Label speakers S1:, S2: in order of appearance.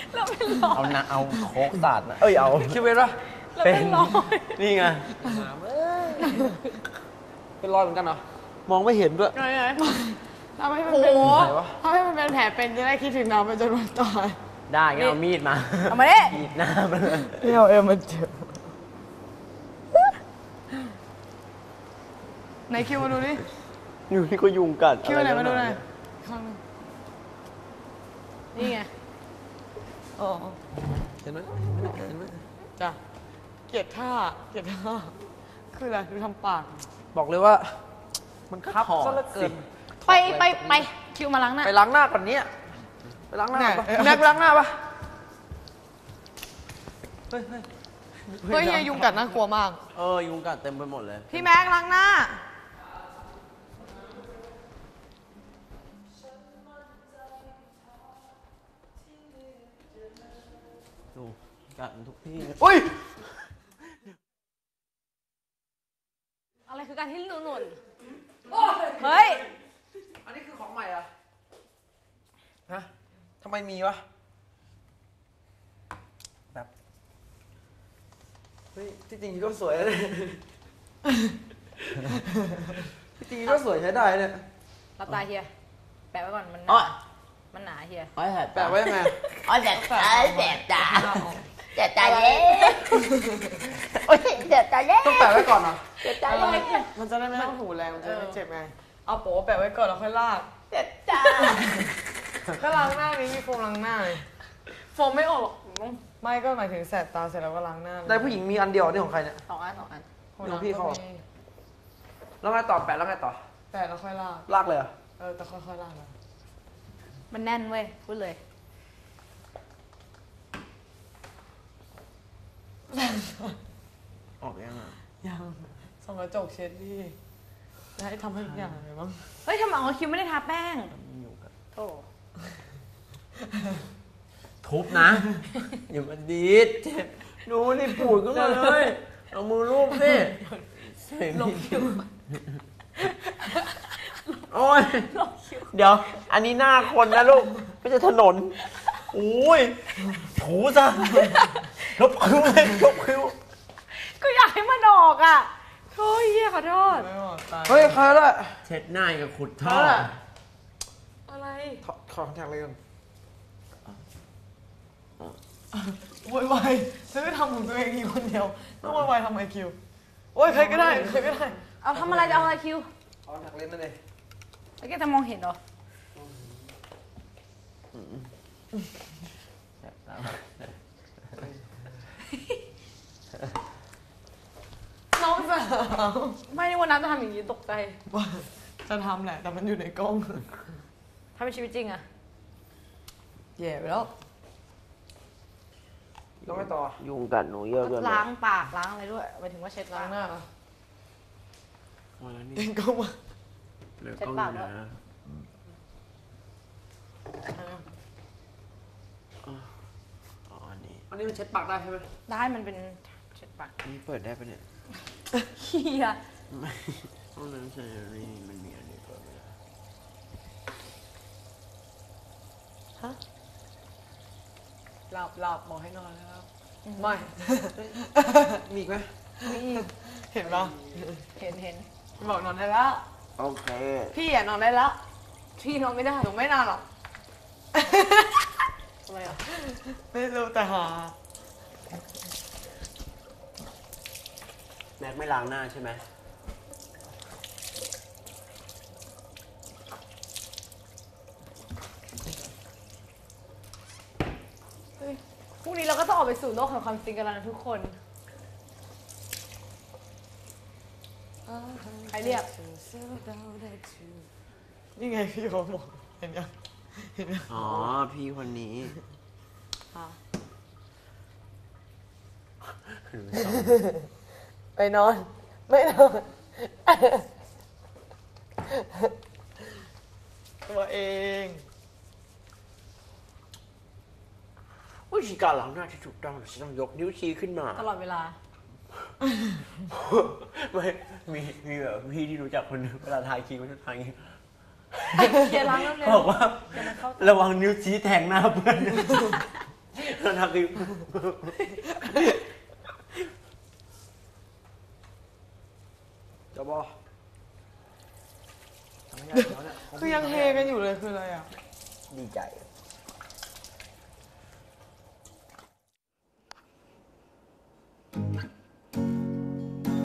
S1: เราเป็นรอย
S2: เอาโคกสาดนะเอ้ยเอาคิวเป็นปะ
S1: เราเป็นรอย
S2: นี่ไง
S3: เป็นรอยเหมือนกันเหรอ
S2: มองไม่เห็นด้วย
S1: ไงทำให้มันเป็นทำให้มันเป็นแผลเป็นจะได้คิดถึงเราไปจนวันตาย
S2: ได้งั้นเอามีดมา
S1: เอามาดิ
S2: มีดหน้ามันเลย
S1: ไม่เอามันเจ็บไหนคิวมาดูดิ
S2: อยู่นี่ก็ยุงกัด
S1: คิวไหนมาดูหน่อย
S2: เย
S1: ข้างนึงนี่ไงอ๋อ
S3: เห็นไหมเห็นไหม
S1: จ้ะเกลียดท่าคืออะไรดูทำปาก
S3: บอกเลยว่า มันคับซะเหลือเกิน
S1: ไปคิวมาล้างหน้า
S3: ไปล้างหน้าก่อนเนี้ยไปล้างหน้าปะแม็กไปล้างหน้าปะเฮ้ย
S1: เฮ้ยเฮียยุงกัดน่ากลัวมาก
S2: ยุงกัดเต็มไปหมดเลย
S1: พี่แม็กล้างหน้า
S2: ดูกัดทุกที่
S3: อุ้ย
S1: อะไรคือการที่หนุนเฮ้ย
S3: อันนี้คือของใหม่อะฮะทำไมมีวะแบบเฮ้ยที่จริงก็สวยเลยที่จริงก็สวยใช้ได้เนี่ย
S1: รับตาเฮียแปะไว้ก่อนมันห
S2: อ๋อ
S1: นามันหนาเฮีย
S2: ไอ้แหบ
S3: แปะไว้ยังไง
S2: อ๋อแสบตาแสบตา
S1: แต่ตาเล็ก
S2: โอ้ยแสบตาเล็ก
S3: ต้องแปะไว้ก่อนเหรอ
S2: แสบตาเล็ก
S1: มันจะได้ไม่ต้องถูแรงมันจะไม่เจ็บไงเอาโป๊แปะไว้ก่อนแล้วค่อยลาก
S2: แสบตา
S1: ก็ล้างหน้านี้มีโฟมล้างหน้าโฟมไม่ออกหรอกไม่ก็หมายถึงแสบตาเสร็จแล้วก็ล้างหน้า
S3: ได้ผู้หญิงมีอันเดียวนี่ของใครเนี่ย
S1: สองอัน
S3: ของพี่เขา แล้วไงต่อแปะแล้วไงต่อ
S1: แปะแล้วค่อยลาก
S3: ลากเลยเหรอ
S1: แต่ค่อยๆลากนะ
S4: มันแน่นเว้ย พูดเลย
S2: ออกยังอ่ะ
S1: ยังส่องกระจกเช็ดดิจะให้ทำให้ทุกอย่างเลยมั้ง
S4: เฮ้ยทำไมคิวไม่ได้ทาแป้ง
S2: ยุงกัด
S4: โธ่
S2: ทุบนะอย่ามาดีดเจ็บดูนี่ปูดขึ้นมาเลยเอามือลูบสิลงคิวโอ้ยเดี๋ยว อันนี้หน้าคนนะลูกไม่ใช่ถนนโอ้ยถูซะลบคิ้วเลยลบคิ้ว
S4: ก็อยากให้มันออกอ่ะโธ่เฮียขอโทษ
S1: ไม่บอกตาย
S3: เฮ้ยใครละ
S2: เช็ดหน้ากับขุดท่อ
S1: อะไร
S3: ขอแท็กเลยกัน
S1: โวยวายฉันไม่ทำของตัวเองอยู่คนเดียวต้องโวยวายทำไมคิวโอ้ยใครก็ได้
S4: เอาทำอะไรจะเอาอะไรคิว
S3: ขอแท็กเลนนั่นเอง
S4: แล้วแกจะมองเห็นเหรอ
S1: น้องสาว
S4: ไม่ได้วันนั้นจะทำอย่างนี้ตกใจ
S1: ว่าจะทำแหละ แต่มันอยู่ในกล้อง
S4: ถ้าเป็นชีวิตจริงอะ
S1: แย่ไปแล้ว
S3: แล้วไงต่อ
S2: ยุงกัดหนูเยอะเกิน
S4: ล้างปากล้างอะไรด้วยหมายถึงว่าเช็ด
S1: ล้างหน้า
S2: พอแล้วนี่
S1: เองก็มา
S2: เหลือกล้องอยู่นะอ๋ออันนี้
S3: อันนี้มันเช็ดปากได้ใช่ไหม
S4: ได้มันเป็นเช็ดปาก
S2: นี่เปิดได้ปะเนี่ย
S4: เฮีย
S2: ไม่ห้องน้ำชายนี่มันมีอันนี้เปิดไม่ได้
S1: หลับบอกให้นอนแล้วไม่
S3: มีอีกไหม
S1: เห็นปะ
S4: เห็น
S1: บอกนอนได้แล้ว
S2: โอเค
S1: พี่อ่ะนอนได้แล้ว
S4: พี่นอนไม่ได้
S1: หนูไม่นอนหรอก
S4: ทำไมอ่ะ
S1: ไม่รู้แต่หา
S2: แม็กไม่ล้างหน้าใช่ไหม
S4: พรุ่งนี้เราก็ต้องออกไปสู่โลกแห่งความจริงกันแล้วนะทุกคน ใครเรียก
S1: นี่ไงพี่เขาบอกเห็นยังเห็นยัง
S2: อ๋อ พี่คนนี้
S1: ไปนอน ไม่นอนตัวเอง
S2: วิธีการล้างหน้าที่ถูกต้องฉันต้องยกนิ้วชี้ขึ้นมา
S4: ตลอดเวลา
S2: ไม่มีแบบพี่ที่รู้จักคนหนึงเวลาทาครีมเขาจะทาอย่างนี้
S4: เคลียร์ล้างแล้วเร็ว
S2: เขาบอกว่า ระวังนิ้วชี้แทงหน้าเพื่อน
S1: พี่
S2: เราทำคือ
S3: เดี๋ยวบอทำให้ได้เดี๋ยวเนี่ย
S1: คือยังเฮกันอยู่เลยคืออะไรอ่ะ
S2: ดีใจ